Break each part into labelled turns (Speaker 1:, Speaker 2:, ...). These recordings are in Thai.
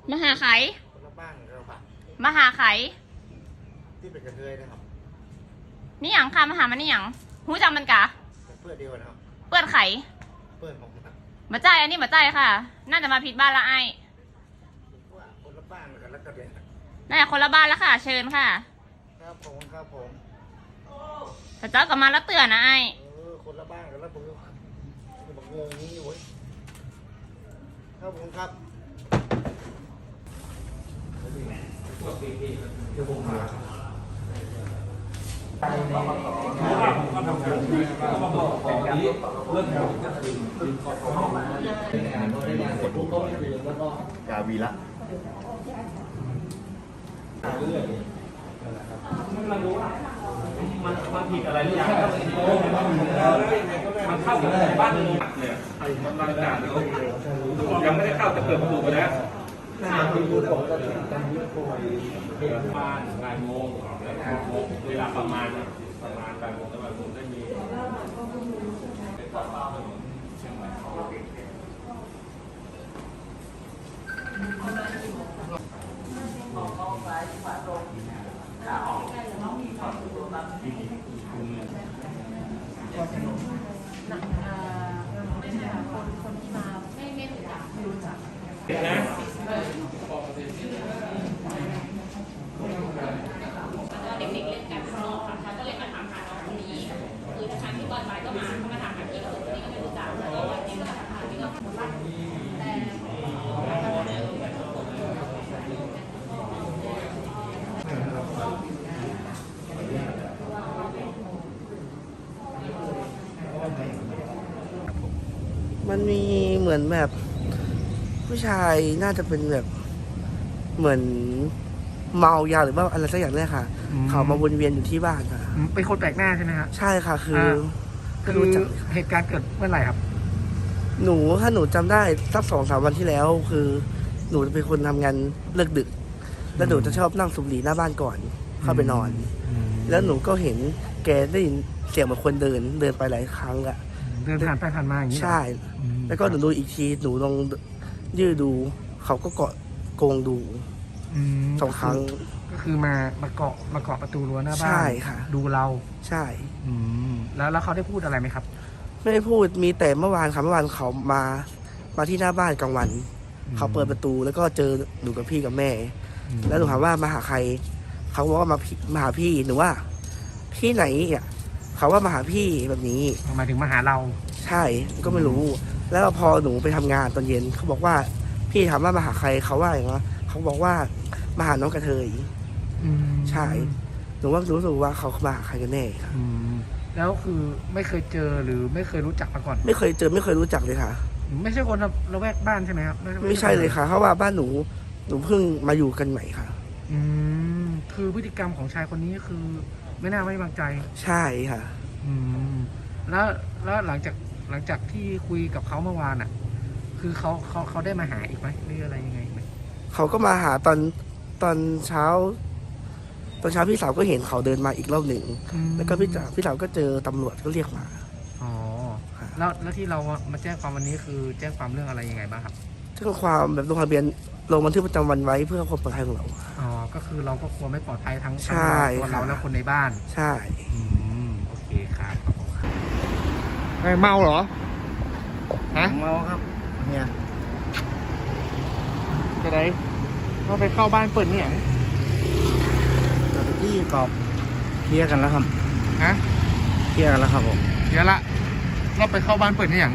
Speaker 1: มาหาไข
Speaker 2: คนละบ้านเราปะ
Speaker 1: มาหาไข
Speaker 2: ที่เป็นกระเทยนะครับ
Speaker 1: นี่หยังค่ะมาหามันนี่หยังหูจังมันกะ
Speaker 2: เพื่อนเดียวนะครับ
Speaker 1: เปื้อนไข
Speaker 2: เพื่อนผมนะ
Speaker 1: มาใจอันนี้มาใจค่ะ น่าจะมาผิดบ้านละไอ้
Speaker 2: ว่าคนละบ้านกันแล้วก็เด็ก
Speaker 1: น่าจะคนละบ้านแล้วค่ะ เชิญค่ะ
Speaker 2: ครับผม
Speaker 1: แต่เจ้ากลับมาแล้วเตือนนะไอ้
Speaker 2: คนละบ้านกันแล้วผมบอกงงนี้โว้ยครับผมครับเดี๋ยวผมมากาวีละ
Speaker 3: มันผิดอะไรหรือยังมันเข้ากับบ้านเนี่ยกำลังด่ายังไม่ได้เข้าแต่เปิดประตูไปแล้วประมาณบ่ายโมงเวลาประมาณบ่ายโมงได้มี
Speaker 1: ไม่ใช่ค่ะคนที่มาไม่รู้จัก
Speaker 3: นะ
Speaker 1: เด็กๆเล่นกันข้างนอกค่ะก็เลยมาถามหาน้องคนนี้คือทางที่ตอนบ่ายก็มาเขามาถามหาพี่กับคนนี้ก็ไม่รู้จักแล้วก็วันนี้ก็มาถามหาพี่กับคนบ้าน
Speaker 4: มันมีเหมือนแบบผู้ชายน่าจะเป็นแบบเหมือนเมายาหรือว่าอะไรสักอย่างเนี่ยค่ะเขามาวนเวียนอยู่ที่บ้านค่ะ
Speaker 5: เป็นคนแปลกหน้าใช่ไหมครับ
Speaker 4: ใช่ค่ะคือ
Speaker 5: เหตุการณ์เกิดเมื่อไหร่ครับ
Speaker 4: ถ้าหนูจำได้สัก2-3 วันที่แล้ว คือหนูจะเป็นคนทำงานเลิกดึกแล้วหนูจะชอบนั่งสูบบุหรี่หน้าบ้านก่อนเข้าไปนอนแล้วหนูก็เห็นแกได้ยินเสียงเหมือนคนเดินไปหลายครั้งอะ
Speaker 5: เดินผ่านไปผ่านมาอย่างนี้
Speaker 4: ใช่แล้วก็หนูดูอีกทีหนูลองยืดดูเขาก็เกาะโกงดู2 ครั้ง
Speaker 5: ก็คือมาเกาะประตูรั้วหน้าบ้าน
Speaker 4: ใช่ค่ะ
Speaker 5: ดูเรา
Speaker 4: ใช่
Speaker 5: แล้วเขาได้พูดอะไรไหมครับ
Speaker 4: ไม่ได้พูดมีแต่เมื่อวานเขามาที่หน้าบ้านกลางวันเขาเปิดประตูแล้วก็เจอหนูกับพี่กับแม่แล้วหนูถามว่ามาหาใครเขาบอกว่ามาหาพี่หนูว่าพี่ไหนอ่ะเขาว่ามาหาพี่แบบนี้
Speaker 5: หมายถึงมาหาเรา
Speaker 4: ใช่ก็ไม่รู้แล้วพอหนูไปทำงานตอนเย็นเขาบอกว่าพี่ถามว่ามาหาใครเขาว่าอย่างเงี้ยเขาบอกว่ามาหาน้องกระเทยใช่หนูว่ารู้สึกว่าเขามาหาใครกันแน่ค่ะ
Speaker 5: แล้วคือไม่เคยเจอหรือไม่เคยรู้จักมาก่อน
Speaker 4: ไม่เคยเจอไม่เคยรู้จักเลยค่ะ
Speaker 5: ไม่ใช่คนละแวกบ้านใช่ไหมครับ
Speaker 4: ไม่ใช่เลยค่ะเพราะว่าบ้านหนูเพิ่งมาอยู่กันใหม่ค่ะ
Speaker 5: คือพฤติกรรมของชายคนนี้คือไม่น่าไว้วางใจ
Speaker 4: ใช่ค่ะ
Speaker 5: แล้วหลังจากที่คุยกับเขาเมื่อวานอ่ะคือเขาได้มาหาอีกไหมหรืออะไรยังไงไหม
Speaker 4: เขาก็มาหาตอนเช้าพี่สาวก็เห็นเขาเดินมาอีกรอบหนึ่งแล้วก็พี่สาวก็เจอตำรวจก็เรียกมา
Speaker 5: อ๋อแล้วที่เรามาแจ้งความวันนี้คือแจ้งความเรื่องอะไรยังไงบ้างครับ
Speaker 4: แจ้งความแบบลงทะเบียนลงบันทึกประจำวันไว้เพื่อความปลอดภัยของเรา
Speaker 5: อ๋อก็คือเราก็กลัวไม่ปลอดภัยทั้ง
Speaker 4: ตัว
Speaker 5: เราและคนในบ้าน
Speaker 4: ใช่
Speaker 5: โอเคครับเมาเหรอฮะ
Speaker 2: เมาครับเนี่ย
Speaker 5: จะได้เราไปเข้าบ้านเปิดเนี่ย
Speaker 2: ที่กอบเคลียร์กันแล้วครับ
Speaker 5: ฮะ
Speaker 2: เคลียร์กันแล้วครับผม
Speaker 5: เคลียร์ละเราไปเข้าบ้านเปิดเนี่ยอย่าง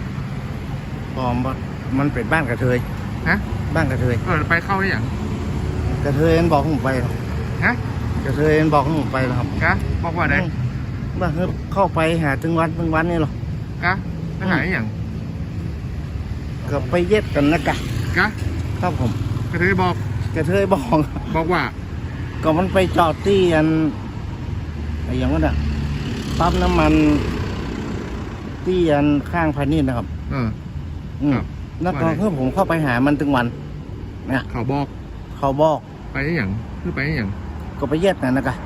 Speaker 2: มันเป็นบ้านกระเทย
Speaker 5: ฮะ
Speaker 2: บ้านกระเทย
Speaker 5: ไปเข้าได้อย่าง
Speaker 2: กระเทยบอกผมไป
Speaker 5: ฮะ
Speaker 2: กระเทยบอกผมไปแล้วครับ
Speaker 5: กะบอกว่าไหน
Speaker 2: ว่าเข้าไปหาถึงวันนี่หร
Speaker 5: อกะไปหาอย่าง
Speaker 2: ก็ไปเย็ดกันนะกะครับผม
Speaker 5: กระเทยบอกว่า
Speaker 2: ก็มันไปจอดที่อะไรอย่างนั้นอ่ะปั๊มน้ำมันที่ข้างพาณิชย์นะครับแล้วก็คือผมเข้าไปหามันถึงวันเนี่ย
Speaker 5: เขาบอกไปได้อย่างคือไปได้อย่าง
Speaker 2: ก็ไปเย็ดกันนะกะ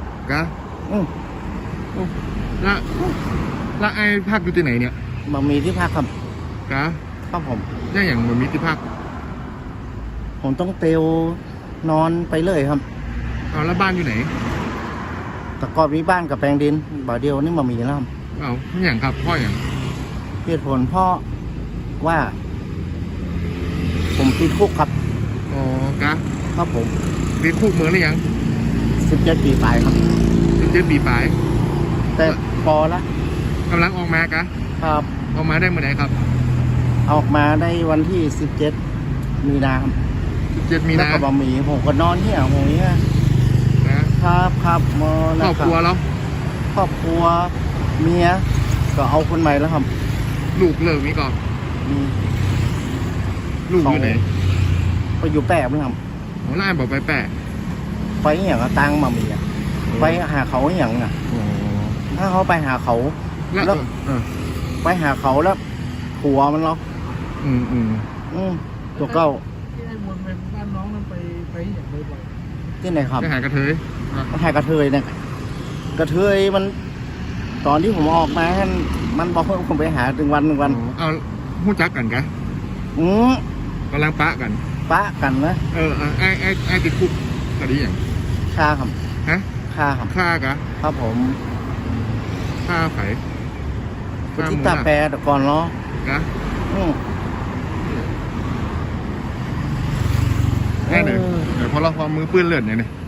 Speaker 5: แล้วไอ้พักอยู่ที่ไหนเนี่ย
Speaker 2: มันมีที่พักครับ
Speaker 5: ครับ
Speaker 2: ผม
Speaker 5: ได้อย่างมันมีที่พัก
Speaker 2: ผมต้องเตียวนอนไปเลยครับ
Speaker 6: เอาแล้วบ้านอยู่ไหน
Speaker 2: แต่ก่อนมีบ้านกับแปลงดินบ่าเดียวนี่มามีแล้วครับ
Speaker 6: เอาอย่างครับพ่ออย่าง
Speaker 2: เหตุผลเพราะว่า ผมติดคุกครับ
Speaker 6: อ๋อกะ
Speaker 2: ครับผม
Speaker 6: ติดคุกเมืองหรือยัง
Speaker 2: 17 ปีไปครับ
Speaker 6: 17 ปีปลาย
Speaker 2: แต่พอละ
Speaker 6: กำลังออกมากะ
Speaker 2: ครับ
Speaker 6: ออกมาได้เมื่อไหร่ครับ
Speaker 2: ออกมาได้วันที่ 17 มีนาครับ
Speaker 6: 17 มี
Speaker 2: แล้ว
Speaker 6: นา
Speaker 2: ก็บะหมี่ผมก็นอนเหี่ยผมเนี้ย
Speaker 6: นะครับ
Speaker 2: ครับมอ
Speaker 6: ค
Speaker 2: นะ
Speaker 6: รอบ
Speaker 2: ครั
Speaker 6: ครัวเรา
Speaker 2: ครอบครัวเมียก็เอาคนใหม่แล้วครับ
Speaker 6: ลูกเลิกมีก่อน
Speaker 2: มี
Speaker 6: ลูกอยู่ไหน
Speaker 2: ไปอยู่แปะมั้งครับ
Speaker 6: หัวหน้าบอกไปแปะ
Speaker 2: ไปอหย่างก็ตังมามีอะไปหาเขาอหย่างอ่ะ
Speaker 6: อ๋อ
Speaker 2: ถ้าเขาไปหาเขา
Speaker 6: แล้ว
Speaker 2: แล้ว ไปหาเขาแล้วผัวมันเนาะ
Speaker 6: อืม
Speaker 2: ตัวเก้า
Speaker 5: ที่ไอ้วนไปบ้านน้องนั้นไปอย่างบ่อย
Speaker 2: ที่ไหนครับ
Speaker 6: จะหากระเทย
Speaker 2: หากระเทยเนี่ยกระเทยมัน ตอนที่ผมออกมามันบอกให้ผมไปหาถึงวัน
Speaker 6: เอาหู้จักกันกะ
Speaker 2: อืม
Speaker 6: กำลังปะกัน
Speaker 2: ปะกันนะ
Speaker 6: ไอ้ติดคุกคดีอย่าง
Speaker 2: ฆ่าครับ
Speaker 6: ฮะ
Speaker 2: ฆ่าครับ
Speaker 6: ฆ่ากะ
Speaker 2: ครับผม
Speaker 6: ฆ่าไผ่
Speaker 2: ไปที่ตาแปรแต่ก่อนเนาะ
Speaker 6: กะ
Speaker 2: อืม
Speaker 6: แค่เดี๋ยวพอเราพอมือปืนเลือดเนี่ย